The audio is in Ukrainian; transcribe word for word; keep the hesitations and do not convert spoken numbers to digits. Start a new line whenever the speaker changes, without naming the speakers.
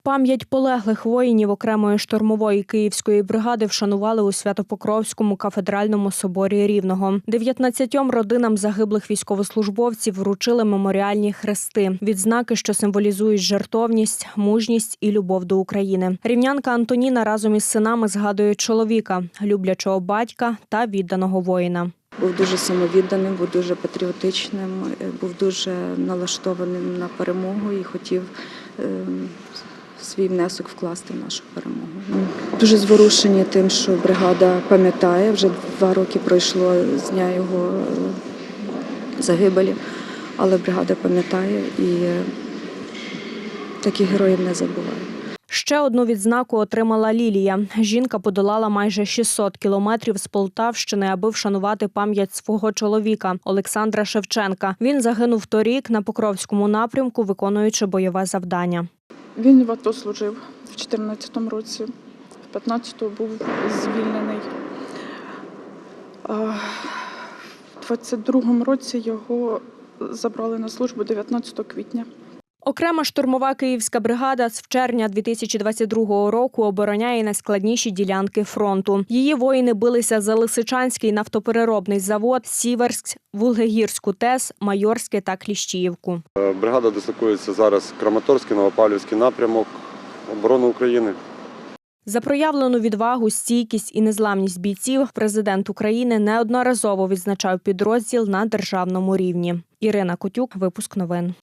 Пам'ять полеглих воїнів окремої штурмової київської бригади вшанували у Свято-Покровському кафедральному соборі Рівного. дев'ятнадцятьом родинам загиблих військовослужбовців вручили меморіальні хрести – відзнаки, що символізують жертовність, мужність і любов до України. Рівнянка Антоніна разом із синами згадує чоловіка, люблячого батька та відданого воїна.
Був дуже самовідданим, був дуже патріотичним, був дуже налаштованим на перемогу і хотів свій внесок вкласти в нашу перемогу. Дуже зворушені тим, що бригада пам'ятає, вже два роки пройшло з дня його загибелі, але бригада пам'ятає і таких героїв не забуває.
Ще одну відзнаку отримала Лілія. Жінка подолала майже шістсот кілометрів з Полтавщини, аби вшанувати пам'ять свого чоловіка Олександра Шевченка. Він загинув торік на Покровському напрямку, виконуючи бойове завдання.
Він в АТО служив в чотирнадцятому році, в п'ятнадцятому був звільнений. В двадцять другому році його забрали на службу дев'ятнадцятого квітня.
Окрема штурмова київська бригада з червня дві тисячі двадцять другого року обороняє найскладніші ділянки фронту. Її воїни билися за Лисичанський нафтопереробний завод, Сіверськ, Вулгегірську ТЕС, Майорське та Кліщіївку.
Бригада дислокується зараз Краматорський, Новопавлівський напрямок оборони України.
За проявлену відвагу, стійкість і незламність бійців президент України неодноразово відзначав підрозділ на державному рівні. Ірина Котюк, випуск новин.